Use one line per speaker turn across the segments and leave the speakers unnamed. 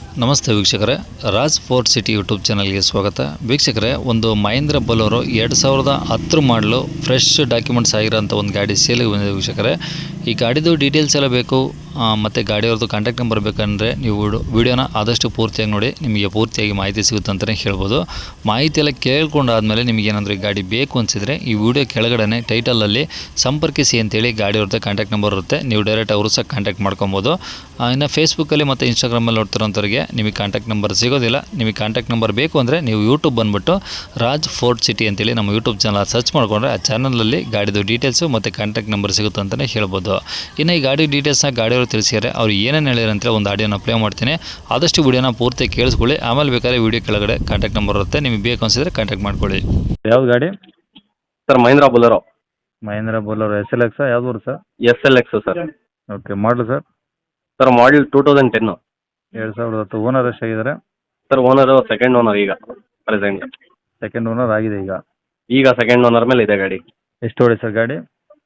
ನಮಸ್ತೆ ವೀಕ್ಷಕರೇ, Raj fort city YouTube ಚಾನಲ್ಗೆ ಸ್ವಾಗತ. ವೀಕ್ಷಕರೇ, ಒಂದು ಮಹೇಂದ್ರ ಬೊಲೊರೋ 2010 ಮಾಡಲು ಫ್ರೆಶ್ ಡಾಕ್ಯುಮೆಂಟ್ಸ್ ಆಗಿರೋಂಥ ಒಂದು ಗಾಡಿ ಸೇಲಿಗೆ ಬಂದಿದೆ ವೀಕ್ಷಕರೇ. ಈ ಗಾಡಿದು ಡೀಟೇಲ್ಸ್ ಎಲ್ಲ ಬೇಕು ಮತ್ತು ಗಾಡಿಯವ್ರದ್ದು ಕಾಂಟ್ಯಾಕ್ಟ್ ನಂಬರ್ ಬೇಕಂದರೆ ನೀವು ವಿಡಿಯೋನ ಆದಷ್ಟು ಪೂರ್ತಿಯಾಗಿ ನೋಡಿ, ನಿಮಗೆ ಪೂರ್ತಿಯಾಗಿ ಮಾಹಿತಿ ಸಿಗುತ್ತೆ ಅಂತಲೇ ಹೇಳ್ಬೋದು. ಮಾಹಿತಿ ಎಲ್ಲ ಕೇಳ್ಕೊಂಡಾದಮೇಲೆ ನಿಮಗೇನಾದರೂ ಈ ಗಾಡಿ ಬೇಕು ಅನಿಸಿದರೆ ಈ ವಿಡಿಯೋ ಕೆಳಗಡೆ ಟೈಟಲಲ್ಲಿ ಸಂಪರ್ಕಿಸಿ ಅಂತೇಳಿ ಗಾಡಿಯವ್ರದ್ದು ಕಾಂಟ್ಯಾಕ್ಟ್ ನಂಬರ್ ಇರುತ್ತೆ. ನೀವು ಡೈರೆಕ್ಟ್ ಅವರು ಸಹ ಕಾಂಟ್ಯಾಕ್ಟ್ ಮಾಡ್ಕೊಬೋದು. ಇನ್ನು ಫೇಸ್ಬುಕ್ಕಲ್ಲಿ ಮತ್ತು ಇನ್ಸ್ಟಾಗ್ರಾಮಲ್ಲಿ ನೋಡ್ತಿರೋಂಥವ್ರಿಗೆ ನಿಮಗೆ ಕಾಂಟ್ಯಾಕ್ಟ್ ನಂಬರ್ ಸಿಗೋದಿಲ್ಲ. ನಿಮಗೆ ಕಾಂಟ್ಯಾಕ್ಟ್ ನಂಬರ್ ಬೇಕು ಅಂದರೆ ನೀವು ಯೂಟ್ಯೂಬ್ ಬಂದುಬಿಟ್ಟು ರಾಜ್ ಫೋರ್ಟ್ ಸಿಟಿ ಅಂತೇಳಿ ನಮ್ಮ ಯೂಟ್ಯೂಬ್ ಚಾನಲ್ ಸರ್ಚ್ ಮಾಡಿಕೊಂಡ್ರೆ ಆ ಚಾನಲಲ್ಲಿ ಗಾಡಿದು ಡೀಟೇಲ್ಸು ಮತ್ತು ಕಾಂಟ್ಯಾಕ್ಟ್ ನಂಬರ್ ಸಿಗುತ್ತೆ ಅಂತಲೇ ಹೇಳ್ಬೋದು. ಇನ್ನು ಈ ಗಾಡಿ ಡೀಟೇಲ್ಸ್ನ ಗಾಡಿಯವರು ತಿಳಿಸಿದ್ದಾರೆ, ಅವ್ರು ಏನೇನು ಹೇಳಿದ್ರು ಅಂತೇಳಿ ಒಂದು ಆಡಿಯೋನ ಪ್ಲೇ ಮಾಡ್ತೀನಿ. ಆದಷ್ಟು ವಿಡಿಯೋನ ಪೂರ್ತಿ ಕೇಳಿಸ್ಕೊಳ್ಳಿ. ಆಮೇಲೆ ಬೇಕಾದ್ರೆ ವಿಡಿಯೋ ಕೆಳಗಡೆ ಕಾಂಟ್ಯಾಕ್ಟ್ ನಂಬರ್ ಇರುತ್ತೆ, ನಿಮಗೆ ಬೇಕು ಅನಿಸಿದ್ರೆ ಕಾಂಟ್ಯಾಕ್ಟ್ ಮಾಡ್ಕೊಳ್ಳಿ.
ಯಾವ್ದು ಗಾಡಿ?
Sir Mahindra Bolero.
Mahindra Bolero SLX ಯಾವ್ದು ಬರುತ್ತೆ ಸರ್?
SLX sir.
ಓಕೆ, ಮಾಡಲು ಸರ್?
Sir model 2010.
2010. ಓನರ್ ಎಷ್ಟಾಗಿದ್ದಾರೆ?
ಸರ್ ಓನರು ಸೆಕೆಂಡ್ ಓನರ್ ಈಗ ಪ್ರೆಸೆಂಟ್.
ಸೆಕೆಂಡ್ ಓನರ್ ಆಗಿದೆ
ಈಗ ಸೆಕೆಂಡ್ ಓನರ್ ಮೇಲೆ ಇದೆ ಗಾಡಿ.
ಎಷ್ಟು ಹೊಡಿ ಸರ್ ಗಾಡಿ?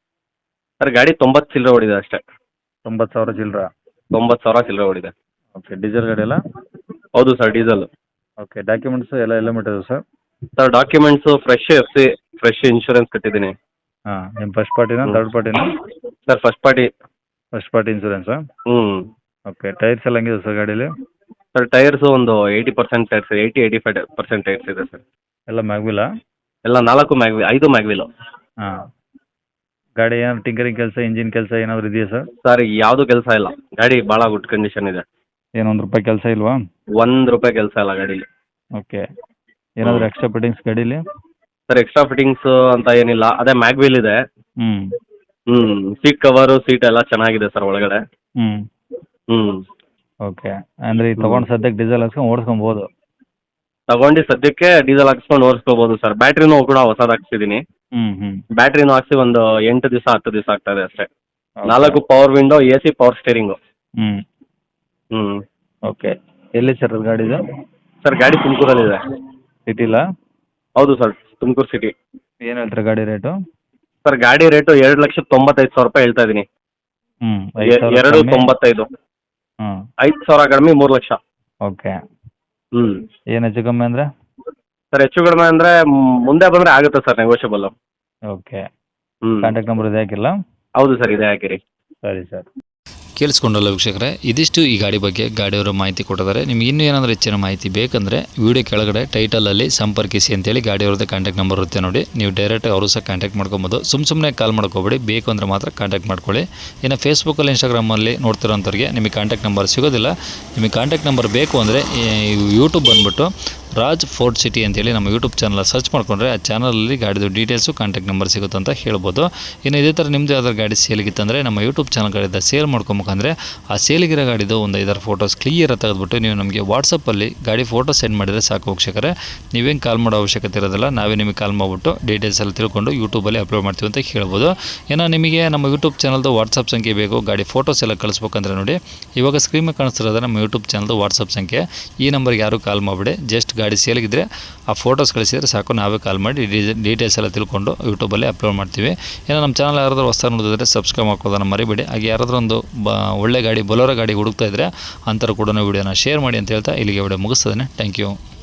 ಸರ್ ಗಾಡಿ 90 ಚಿಲ್ಲರೆ ಓಡಿದೆ ಅಷ್ಟೇ.
90,000 ಚಿಲ್ಲರ?
90,000 ಚಿಲ್ಲರೆ ಓಡಿದೆ.
ಓಕೆ, ಡೀಸೆಲ್ ಗಾಡಿ ಎಲ್ಲ?
ಹೌದು ಸರ್, ಡೀಸೆಲ್.
ಓಕೆ, ಡಾಕ್ಯುಮೆಂಟ್ಸ್ ಎಲ್ಲ ಮಟ್ಟಿದೆ sir?
Sir documents fresh FC, fresh insurance ಕಟ್ಟಿದ್ದೀನಿ.
ಹಾಂ, ನಿಮ್ಮ ಫಸ್ಟ್ ಪಾರ್ಟಿನ ಥರ್ಡ್ ಪಾರ್ಟಿನ?
Sir first party.
First party ಇನ್ಸೂರೆನ್ಸಾ?
ಹ್ಞೂ.
ಓಕೆ, ಟೈರ್ಸ್ ಎಲ್ಲ ಹೆಂಗಿದೆ ಸರ್ ಗಾಡೀಲಿ?
ಸರ್ ಟೈರ್ಸು ಒಂದು 80% ಟೈರ್ಸ್, 80-85% ಟೈರ್ಸ್ ಇದೆ ಸರ್.
ಎಲ್ಲ ಮ್ಯಾಗ್ವಿಲ್ಲ?
ಎಲ್ಲ 5 ಮ್ಯಾಗ್ವಿಲು.
ಹಾಂ, ಗಾಡಿ ಏನಾದ್ರು ಟಿಂಕರಿಂಗ್ ಕೆಲಸ, ಇಂಜಿನ್ ಕೆಲಸ ಏನಾದರೂ ಇದೆಯಾ ಸರ್?
ಸರ್ ಯಾವುದು ಕೆಲಸ ಇಲ್ಲ, ಗಾಡಿ ಭಾಳ ಗುಡ್ ಕಂಡೀಷನ್ ಇದೆ.
ಏನು ₹1 ಕೆಲಸ ಇಲ್ವಾ?
₹1 ಕೆಲಸ ಇಲ್ಲ ಗಾಡೀಲಿ.
ಓಕೆ, ಏನಾದರೂ ಎಕ್ಸ್ಟ್ರಾ ಫಿಟ್ಟಿಂಗ್ಸ್ ಗಾಡೀಲಿ?
ಸರ್ ಎಕ್ಸ್ಟ್ರಾ ಫಿಟ್ಟಿಂಗ್ಸ್ ಅಂತ ಏನಿಲ್ಲ, ಅದೇ ಮ್ಯಾಗ್ವಿಲ್ ಇದೆ.
ಹ್ಞೂ.
ಸೀಟ್ ಕವರು, ಸೀಟ್ ಎಲ್ಲ ಚೆನ್ನಾಗಿದೆ ಸರ್ ಒಳಗಡೆ.
ಹ್ಞೂ. ಓಕೆ, ಅಂದರೆ ಈಗ ತೊಗೊಂಡು ಸದ್ಯಕ್ಕೆ ಡೀಸೆಲ್ ಹಾಕ್ಸ್ಕೊಂಡು ಓಡಿಸ್ಕೊಬೋದು?
ತಗೊಂಡು ಸದ್ಯಕ್ಕೆ ಡೀಸೆಲ್ ಹಾಕ್ಸ್ಕೊಂಡು ಓಡಿಸ್ಕೋಬೋದು ಸರ್. ಬ್ಯಾಟ್ರಿನೂ ಕೂಡ ಹೊಸದು ಹಾಕ್ಸಿದ್ದೀನಿ.
ಹ್ಞೂ.
ಬ್ಯಾಟ್ರಿನೂ ಹಾಕ್ಸಿ ಒಂದು 8 ದಿವಸ 10 ದಿವಸ ಆಗ್ತದೆ ಅಷ್ಟೇ. 4 power window, AC, power steering.
ಹ್ಞೂ. ಓಕೆ, ಎಲ್ಲಿ ಸರ್ ಅದು ಗಾಡಿದು?
ಸರ್ ಗಾಡಿ ತುಮಕೂರಲ್ಲಿದೆ.
ಸಿಟಿಲ?
ಹೌದು ಸರ್, ತುಮಕೂರು ಸಿಟಿ.
ಏನು ಹೇಳ್ತಾರೆ ಗಾಡಿ ರೇಟು?
ಸರ್ ಗಾಡಿ ರೇಟು 2,95,000 ಹೇಳ್ತಾ ಇದ್ದೀನಿ. 2,95,000.
ಹ್ಞೂ.
5,000 ಕಡಿಮೆ 3 ಲಕ್ಷ.
ಓಕೆ.
ಹ್ಞೂ.
ಏನು ಹೆಚ್ಚು ಕಮ್ಮಿ ಅಂದರೆ?
ಸರ್ ಹೆಚ್ಚು ಕಡಿಮೆ ಅಂದರೆ ಮುಂದೆ ಬಂದರೆ ಆಗುತ್ತೆ ಸರ್, ನೆಗೋಷಿಯಬಲ್.
ಓಕೆ.
ಹ್ಞೂ.
ಕಾಂಟ್ಯಾಕ್ಟ್ ನಂಬರ್ ಇದೆ ಹಾಕಿಲ್ಲ?
ಹೌದು ಸರ್, ಇದೆ ಹಾಕಿರಿ.
ಸರಿ ಸರ್.
ಕೇಳಿಸ್ಕೊಂಡಲ್ಲ ವೀಕ್ಷಕರೇ, ಇದಿಷ್ಟು ಈ ಗಾಡಿ ಬಗ್ಗೆ ಗಾಡಿಯವರು ಮಾಹಿತಿ ಕೊಟ್ಟಿದ್ದಾರೆ. ನಿಮ್ಗೆ ಇನ್ನೂ ಏನಾದರೂ ಹೆಚ್ಚಿನ ಮಾಹಿತಿ ಬೇಕಂದರೆ ವಿಡಿಯೋ ಕೆಳಗಡೆ ಟೈಟಲಲ್ಲಿ ಸಂಪರ್ಕಿಸಿ ಅಂತೇಳಿ ಗಾಡಿಯವ್ರದ್ದು ಕಾಂಟ್ಯಾಕ್ಟ್ ನಂಬರ್ ಇರುತ್ತೆ ನೋಡಿ. ನೀವು ಡೈರೆಕ್ಟ್ ಅವರು ಸಹ ಕಾಂಟ್ಯಾಕ್ಟ್ ಮಾಡ್ಕೊಬೋದು. ಸುಮ್ಮನೆ ಕಾಲ್ ಮಾಡ್ಕೋಬೇಡಿ, ಬೇಕು ಅಂದರೆ ಮಾತ್ರ ಕಾಂಟ್ಯಾಕ್ಟ್ ಮಾಡ್ಕೊಳ್ಳಿ. ಇನ್ನು ಫೇಸ್ಬುಕ್ಕಲ್ಲಿ ಇನ್ಸ್ಟಾಗ್ರಾಮಲ್ಲಿ ನೋಡ್ತಿರೋಂಥವ್ರಿಗೆ ನಿಮಗೆ ಕಾಂಟ್ಯಾಕ್ಟ್ ನಂಬರ್ ಸಿಗೋದಿಲ್ಲ. ನಿಮಗೆ ಕಾಂಟ್ಯಾಕ್ಟ್ ನಂಬರ್ ಬೇಕು ಅಂದರೆ ಯೂಟ್ಯೂಬ್ ಬಂದುಬಿಟ್ಟು ರಾಜ್ ಫೋರ್ಟ್ ಸಿಟಿ ಅಂತೇಳಿ ನಮ್ಮ ಯೂಟ್ಯೂಬ್ ಚಾನಲ್ ಸರ್ಚ್ ಮಾಡಿಕೊಂಡ್ರೆ ಆ ಚಾನಲಲ್ಲಿ ಗಾಡಿದು ಡೀಟೇಲ್ಸು, ಕಾಂಟ್ಯಾಕ್ಟ್ ನಂಬರ್ ಸಿಗುತ್ತೆ ಅಂತ ಹೇಳ್ಬೋದು. ಇನ್ನು ಇದೇ ಥರ ನಿಮ್ಮದು ಯಾವ್ದಾದ್ರು ಗಾಡಿ ಸೇಲಿಗಿತ್ತಂದರೆ ನಮ್ಮ ಯೂಟ್ಯೂಬ್ ಚಾನಲ್ಗಳಿಂದ ಸೇಲ್ ಮಾಡ್ಕೊಬೇಕಂದ್ರೆ ಆ ಸೇಲಿಗಿರೋ ಗಾಡಿದು ಒಂದು 5-6 ಫೋಟೋಸ್ ಕ್ಲಿಯರ್ ತೆಗೆದುಬಿಟ್ಟು ನೀವು ನಮಗೆ ವಾಟ್ಸಪ್ಪಲ್ಲಿ ಗಾಡಿ ಫೋಟೋ ಸೆಂಡ್ ಮಾಡಿದರೆ ಸಾಕು ವೀಕ್ಷಕರೇ. ನೀವೇನು ಕಾಲ್ ಮಾಡೋ ಅವಶ್ಯಕತೆ ಇರೋದಿಲ್ಲ, ನಾವೇ ನಿಮಗೆ ಕಾಲ್ ಮಾಡಿಬಿಟ್ಟು ಡೀಟೇಲ್ಸ್ ಎಲ್ಲ ತಿಳ್ಕೊಂಡು ಯೂಟ್ಯೂಬಲ್ಲಿ ಅಪ್ಲೋಡ್ ಮಾಡ್ತೀವಿ ಅಂತ ಹೇಳ್ಬೋದು. ಇನ್ನು ನಿಮಗೆ ನಮ್ಮ ಯೂಟ್ಯೂಬ್ ಚಾನಲ್ದು ವಾಟ್ಸಪ್ ಸಂಖ್ಯೆ ಬೇಕು, ಗಾಡಿ ಫೋಟೋಸ್ ಎಲ್ಲ ಕಳಿಸ್ಬೇಕಂದ್ರೆ ನೋಡಿ, ಇವಾಗ ಸ್ಕ್ರೀನ್ ಮೇಲೆ ಕಾಣಿಸ್ತಿರೋದು ನಮ್ಮ ಯೂಟ್ಯೂಬ್ ಚಾನಲ್ದು ವಾಟ್ಸಪ್ ಸಂಖ್ಯೆ. ಈ ನಂಬರ್ಗೆ ಯಾರು ಕಾಲ್ ಮಾಡಿಬಿಡಿ, ಜಸ್ಟ್ ಗಾಡಿ ಸೇಲಿಗಿದ್ರೆ ಆ ಫೋಟೋಸ್ ಕಳಿಸಿದರೆ ಸಾಕು, ನಾವೇ ಕಾಲ್ ಮಾಡಿ ಡೀಟೇಲ್ಸ್ ಎಲ್ಲ ತಿಳ್ಕೊಂಡು ಯೂಟ್ಯೂಬಲ್ಲಿ ಅಪ್ಲೋಡ್ ಮಾಡ್ತೀವಿ. ಇನ್ನು ನಮ್ಮ ಚಾನಲ್ ಯಾರಾದರೂ ಹೊಸ ನೋಡಿದ್ರೆ ಸಬ್ಸ್ಕ್ರೈಬ್ ಮಾಡ್ಕೋದನ್ನು ಮರಿಬೇಡಿ. ಹಾಗೆ ಯಾರಾದರೂ ಒಂದು ಒಳ್ಳೆ ಗಾಡಿ, ಬೊಲೊರೋ ಗಾಡಿ ಹುಡುಕ್ತಾ ಇದ್ದರೆ ಅಂಥವ್ರು ಕೂಡ ವಿಡಿಯೋನ ಶೇರ್ ಮಾಡಿ ಅಂತ ಹೇಳ್ತಾ ಇಲ್ಲಿಗೆ ವಿಡಿಯೋ ಮುಗಿಸ್ತದೆ. Thank you.